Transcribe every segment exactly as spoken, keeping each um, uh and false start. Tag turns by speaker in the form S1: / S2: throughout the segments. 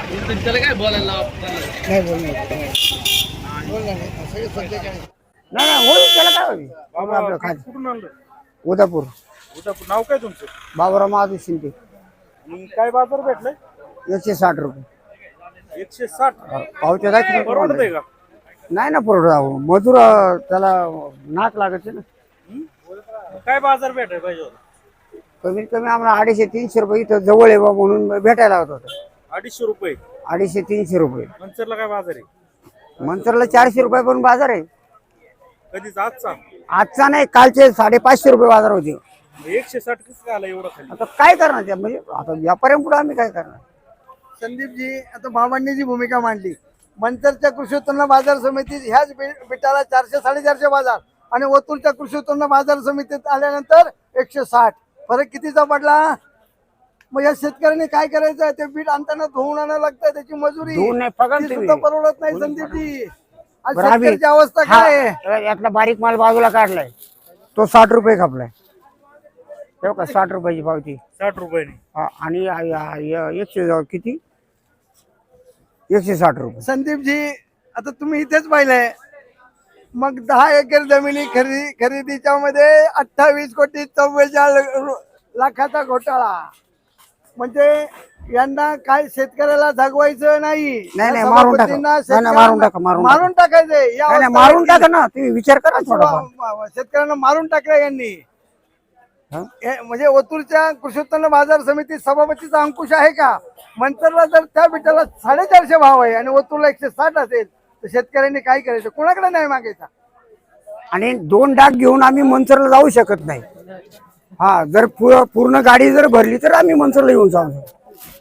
S1: त्याला काय बोलायला
S2: नाही बोलणार बोलणार नाही सगळे सध्या काय नाही नाही होईल त्याला काय होईल बाबा आपलं खात
S3: कुठून आणलं?
S2: उदापूर
S3: उदापूर. नाव काय तुमचं?
S2: बाबुराव महादेव शिंदे
S3: आणि काय बाजार भेटलाय?
S2: एकशे साठ रुपये
S3: एकशे साठ.
S2: पावत्या दाखल
S3: परवडतंय का?
S2: नाही ना परवडा मजूर अं, त्याला नाक लागायचे ना
S3: हं? काय बाजार भेटाय पाहिजे होता?
S2: कमीत कमी आम्हाला अडीचशे तीनशे रुपये इथं जवळ आहे बा म्हणून भेटायला होत होतं
S3: अडीचशे रुपये.
S2: अडीचशे तीनशे रुपये
S3: मंचरला काय बाजार आहे?
S2: मंचरला चारशे रुपये पण बाजार आहे
S3: कधीच आजचा
S2: आजचा नाही कालचे साडेपाचशे रुपये बाजार होते
S3: एकशे साठ कसं काय आला एवढं खाली?
S2: आता काय करणार त्या म्हणजे आता व्यापाऱ्यांपुढे आम्ही काय करणार
S4: संदीपजी आता बाबांनी जी भूमिका मांडली मंचरच्या कृषी उत्पन्न बाजार समितीत ह्याच बी- बिटाला चारशे साडेचारशे बाजार आणि ओतूरच्या कृषी उत्पन्न बाजार समितीत आल्यानंतर एकशे साठ फरक कितीचा पडला. मग या शेतकऱ्यांनी काय करायचं ते बीट आणताना धुवून आणायला लागतं त्याची मजुरी
S2: धुवून नाही, पगार
S4: ती
S2: तुम्ही.
S4: सुद्धा परवडत नाही संदीपजी. आज
S2: बरं, आम्ही-
S4: शेतकऱ्याची अवस्था
S2: हा,
S4: काय आहे.
S2: यातला बारीक माल बाजूला काढलाय तो साठ रुपये खपलाय तेव्हा का साठ रुपयाची पावती
S3: साठ रुपयाने.
S2: हा, आणि या- या- या- एकशे किती एकशे साठ रुपये
S4: संदीपजी आता तुम्ही इथेच पाहिलंय मग दहा एकर जमिनी खरेदी खरेदीच्या मध्ये अठ्ठावीस कोटी चव्वेचाळीस लाखाचा घोटाळा म्हणजे यांना काय शेतकऱ्याला जगवायचं नाही.
S2: नाही, नाही,
S4: या
S2: मारून टाका.
S4: सभापतींना
S2: नाही, नाही, मारून टाका, मारून टाका.
S4: मारून टाकायचंय या
S2: नाही, नाही,
S4: अवस्था
S2: मारून
S4: आहे
S2: टाका ना तुम्ही विचार करा
S4: की
S2: थोडाफार.
S4: वा- वा- शेतकऱ्यांना मारून टाकलं यांनी.
S2: हा?
S4: हे म्हणजे ओतूरच्या कृषी उत्पन्न बाजार समिती सभापतीचा अंकुश आहे का. मंचरला जर त्या बिटाला साडेचारशे भाव आहे आणि ओतूरला एकशे साठ असेल तर शेतकऱ्यांनी काय करायचं कोणाकडे नाही मागायचा.
S2: आणि दोन डाग घेऊन आम्ही मंचरला जाऊ शकत नाही. हा जर पू- पूर्ण गाडी जर भरली तर आम्ही मंचरला येऊन जाऊ शकतो.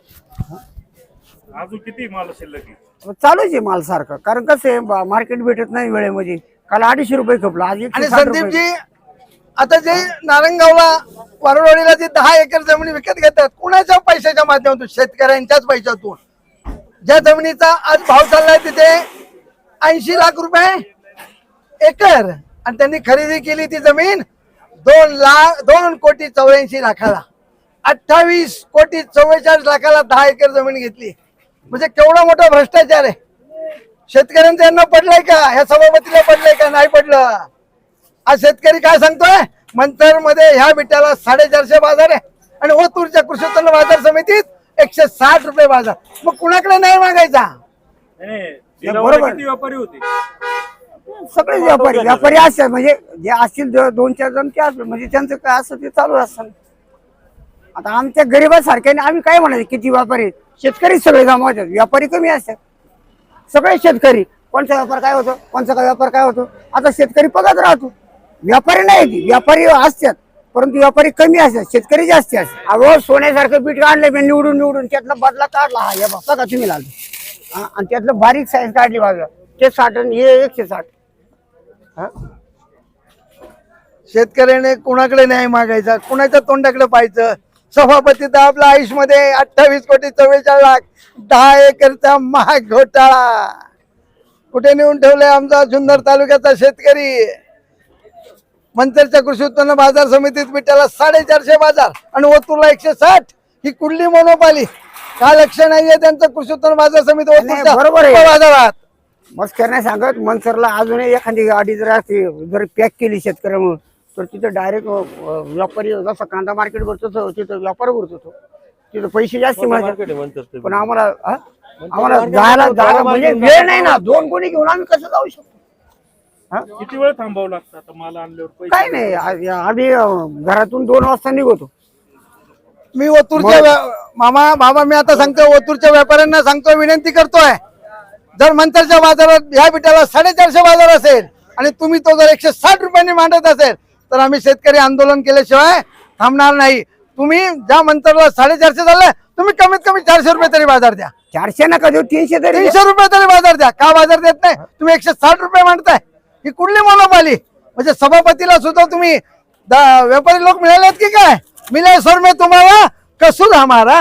S3: अजून किती माल शिल्लक आहे?
S2: चालूच आहे माल सारखं कारण कसं आहे मार्केट भेटत नाही वेळेमध्ये काल अडीचशे रुपये खपला आज एकशे
S4: आणि
S2: साठ रुपये.
S4: संदीपजी आता जे नारंगावला वारवाडीला जे दहा एकर जमीन विकत घेतात कुणाच्या पैशाच्या माध्यमातून शेतकऱ्यांच्याच पैशातून ज्या जमिनीचा आज भाव चाललाय तिथे ऐंशी लाख रुपये एकर आणि त्यांनी खरेदी केली ती जमीन दोन लाख दोन कोटी चौऱ्याऐंशी लाखाला अठ्ठावीस कोटी चव्वेचाळीस लाखाला दहा एकर जमीन घेतली. म्हणजे केवढा मोठा भ्रष्टाचार आहे. शेतकऱ्यांचं यांना पडलंय का ह्या सभापतीला पडलंय का नाही पडलं. आज शेतकरी काय सांगतोय मंचर मध्ये ह्या बिटाला साडेचारशे बाजार आहे आणि ओतूरच्या कृषी उत्पन्न बाजार समितीत एकशे साठ रुपये बाजार. मग कुणाकडे नाही मागायचा.
S3: नाही, नाही.
S2: बरोबर.
S3: लिलावाला किती व्यापारी होते?
S2: सगळे व्यापारी व्यापारी असतात म्हणजे जे असतील दो- दोन चार जण ते असतील म्हणजे त्यांचं काय असतं ते चालू असतं. आता आमच्या गरीबासारख्याने आम्ही काय म्हणायचं किती व्यापारी आहेत? शेतकरी सगळे जमावतात व्यापारी कमी असतात सगळे शेतकरी. कोणचा व्यापार काय होतो कोणचा काय व्यापार काय होतो. आता शेतकरी पगार राहतो व्यापारी नाही ती व्यापारी असतात परंतु व्यापारी कमी असतात शेतकरी जास्त असतात. अगो सोन्यासारखं पीठ काढलं मी निवडून निवडून त्यातला बदला काढला हा या बघा तुम्ही लागले आणि त्यातलं बारीक साईज काढली बाजूला ते साठ आणि हे एकशे साठ.
S4: शेतकऱ्याने कुणाकडे नाही मागायचा कुणाच्या तोंडाकडे पाहायचं. सभापती तर आपल्या आयुष मध्ये अठ्ठावीस कोटी चव्वेचाळीस लाख दहा एकरचा महाग घोटाळा कुठे नेऊन ठेवलाय आमचा जुन्नर तालुक्याचा शेतकरी. मंचरच्या कृषी उत्पन्न बाजार समितीत बिटाला साडेचारशे बाजार आणि ओतूरला एकशे साठ ही कुठली मोनोपाली. का लक्ष नाहीये त्यांचं कृषी उत्पन्न बाजार समिती ओतूरच्या
S2: बरोबर आहे.
S4: बाजारात.
S2: मस्त नाही सांगत मनसरला अजूनही एखादी गाडी जर असते जर पॅक केली शेतकऱ्यामुळे तर तिथे डायरेक्ट व्यापारी जसा कांदा मार्केट भरतो तिथं व्यापार भरतो तो तिथं पैसे जास्त मिळतात. पण आम्हाला हा? आम्हाला जायला जायला म्हणजे वेळ नाही ना दोन कोणी घेऊन आम्ही कसं जाऊ शकतो.
S3: किती वेळ थांबावं लागतं आता माल आणल्यावर पैसे?
S2: काय नाही आ- आम्ही अं, घरातून दोन वाजता निघतो.
S4: मी ओतूरच्या व्या- मामा बाबा मी आता सांगतोय ओतूरच्या व्यापाऱ्यांना सांगतोय विनंती करतोय जर मंचरच्या बाजारात ह्या बिटाला साडेचारशे बाजार असेल आणि तुम्ही तो जर एकशे साठ रुपयांनी मांडत असेल तर आम्ही शेतकरी आंदोलन केल्याशिवाय थांबणार नाही. तुम्ही ज्या मंचरला साडेचारशे झालं तुम्ही कमीत कमी चारशे रुपये तरी बाजार द्या.
S2: चारशे नका देऊ तीनशे तरी
S4: तीनशे रुपये तरी बाजार द्या. का बाजार देत नाही तुम्ही एकशे साठ रुपये मांडताय ही कुठली मोनोपाली. म्हणजे सभापतीला सुद्धा तुम्ही दा- व्यापारी लोक मिळालेत की काय मिले सर में तुम्हाला कसूर हमारा.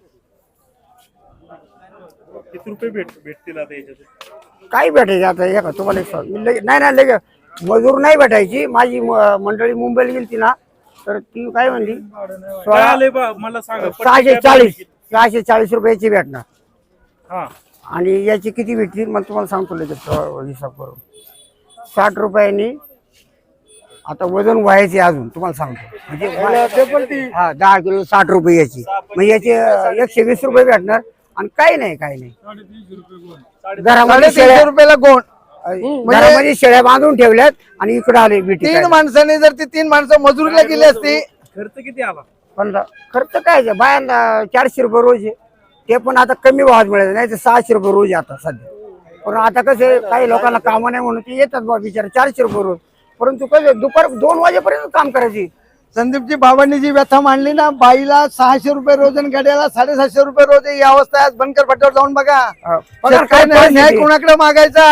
S3: किती रुपये भेट भेटतील आता याच्यात?
S2: काय भेटायचं आता हे का तुम्हाला एक सांग- मी लगे- नाही नाही लगे मजूर नाही भेटायची. माझी म- मंडळी मुंबईला गेली ना तर ती काय म्हणली
S3: काय
S2: सोळा
S3: आलंय बा मला सांगा.
S2: सहाशे चाळीस सहाशे चाळीस रुपयाची भेटणार
S3: हा
S2: आणि याची किती भेटतील मग तुम्हाला सांगतो लगेच अं, हिसाब करून. साठ रुपयांनी आता वजन व्हायचे अजून तुम्हाला सांगतो म्हणजे हा दहा किलो साठ रुपये याची मग याचे अं, एकशे वीस रुपये भेटणार आणि काही नाही काही नाही घरामध्ये
S4: साडेतीनशे
S2: शेळ्या
S4: रुपयाला गोण.
S2: घरामध्ये शेळ्या बांधून ठेवल्यात आणि इकडे आले बिटी
S4: तीन माणसाने जर ती तीन माणसं मजुरीला गेली असती
S3: खर्च किती आला?
S2: पण खर्च काय आहे? बायांना चारशे रुपये रोज आहे ते पण आता कमी भावात मिळाले नाही तर सहाशे रुपये रोज आहे आता सध्या. पण आता कसं आहे, काही लोकांना कामं नाही म्हणून ते येतात बा बिचार चारशे रुपये रोज. परंतु कसं दुपार दोन वाजेपर्यंत काम करायची.
S4: संदीपजी बाबांनी जी व्यथा मांडली ना, बाईला सहाशे रुपये रोज आणि गड्याला साडेसातशे रुपये रोज आहे, ही अवस्था आहे. आज बनकर फाट्यावर जाऊन बघा.
S2: अं, पगार काय
S4: शेतकऱ्याने न्याय
S2: परिस्थिती?
S4: कोणाकडे मागायचा?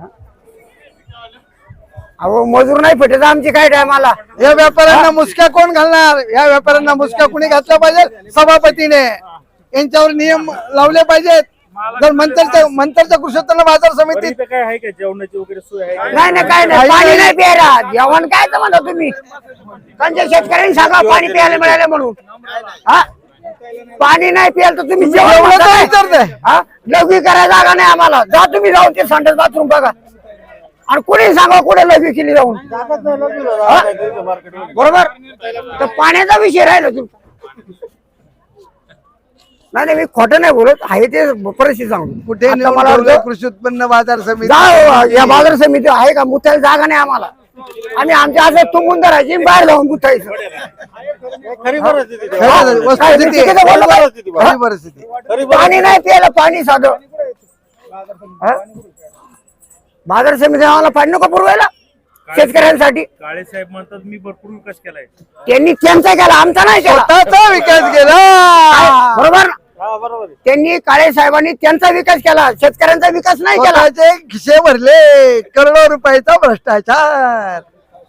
S2: अहो मजूर नाही भेटत आमची काय टायमाला.
S4: या व्यापाऱ्यांना मुसक्या कोण घालणार? या व्यापाऱ्यांना मुसक्या कोणी घातल्या पाहिजे? सभापतीने यांच्यावर नियम लावले पाहिजेत. जर मंतरच्या मंतरच्या कृषी उत्पन्न बाजार
S3: बरं,
S4: समितीत
S3: इथं काय आहे का जेवणाची वगैरे सोय आहे का?
S2: नाही नाही काय नाही पाणी नाही प्यायला जेवण काय तर म्हणता तुम्ही त्यांच्या शेतकऱ्यांनी सांगा पाणी प्यायला मिळालं म्हणून. हा पाणी नाही प्यायला तर तुम्ही जेवण
S4: एवढं
S2: म्हणता
S4: काय
S2: काय?
S4: विचारताय?
S2: हा लघवी करायला जागा नाही आम्हाला. जा तुम्ही जाऊन ते संडास बाथरूम बघा आणि कुणी सांगा कुठे लघवी केली जाऊन. हा? बरोबर तर पाण्याचा विषय राहिला तू. नाही नाही मी खोटं नाही बोलत आहे ते परिस्थिती सांगू.
S4: कुठे
S2: आता
S4: नेऊन
S2: मला
S4: ठेवलं
S2: वाटतं-
S4: कृषी उत्पन्न बाजार समिती?
S2: जा या बाजार समिती आहे का मुतायला जागा नाही आम्हाला. आम्ही आमच्या असं तुंबून धरायची बाहेर जाऊन गुतायचं.
S4: खरी
S2: हा?
S4: वस्तुस्थिती
S2: काय
S4: आहे.
S2: चुकीचं बोललो का? हा?
S4: खरी परिस्थिती.
S2: पाणी नाही प्यायला पाणी साधं. हा? बाजार समिती आम्हाला पाणी नको पुरवायला शेतकऱ्यांसाठी.
S3: काळे साहेब म्हणतात मी भरपूर विकास केलाय.
S2: त्यांनी त्यांचा केला आमचा नाही केला.
S4: स्वतःचा विकास केला.
S2: बरोबर त्यांनी काळे साहेबांनी त्यांचा विकास केला शेतकऱ्यांचा विकास नाही केला.
S4: स्वतःचे खिसे भरले करोडो रुपयाचा भ्रष्टाचार.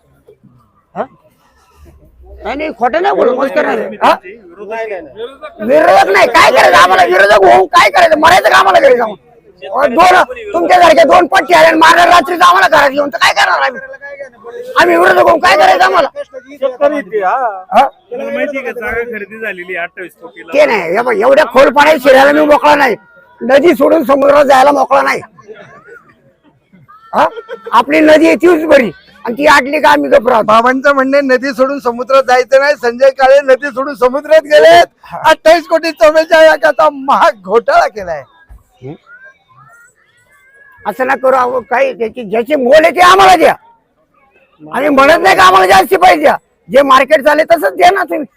S2: नाही नाही खोटं नाही बोलू मस्त नाही. हा?
S3: विरोधात
S2: विरोधक नाही काय करायचं आम्हाला विरोधक होऊन काय करायचं मरायचं का आम्हाला घरी जाऊन. अहो, दोन तुमच्यासारखे दोन पट्टी आले आणि मारणार रात्रीच आम्हाला घरात घेऊन तर काय करणार आम्ही. आम्ही विरोधक होऊन काय करायचं आम्हाला. हा?
S3: तुम्हाला माहितीये का जागा खरेदी झालेली आहे अठ्ठावीस कोटीला.
S2: ते नाही हे बघ, एवढ्या खोल पाण्यात शिरायला मी मोकळा नाही. नदी सोडून समुद्रात जायला मोकळा नाही. हा? आपली नदी आहे तीच बरी आणि ती आटली का आम्ही गप्प राहतो.
S4: बाबांचं म्हणणे नदी सोडून समुद्रात जायचं नाही. संजय काळे नदी सोडून समुद्रात गेलेत. अठ्ठावीस कोटी चौवेचाळीस लाखाचा महाग घोटाळा केलाय.
S2: असं ना करू अहो, काही त्याची ज्याची मोल आहे ते आम्हाला द्या. आम्ही म्हणत नाही का आम्हाला जास्ती पैसे द्या. जे मार्केट चालेल तसंच द्या ना तुम्ही.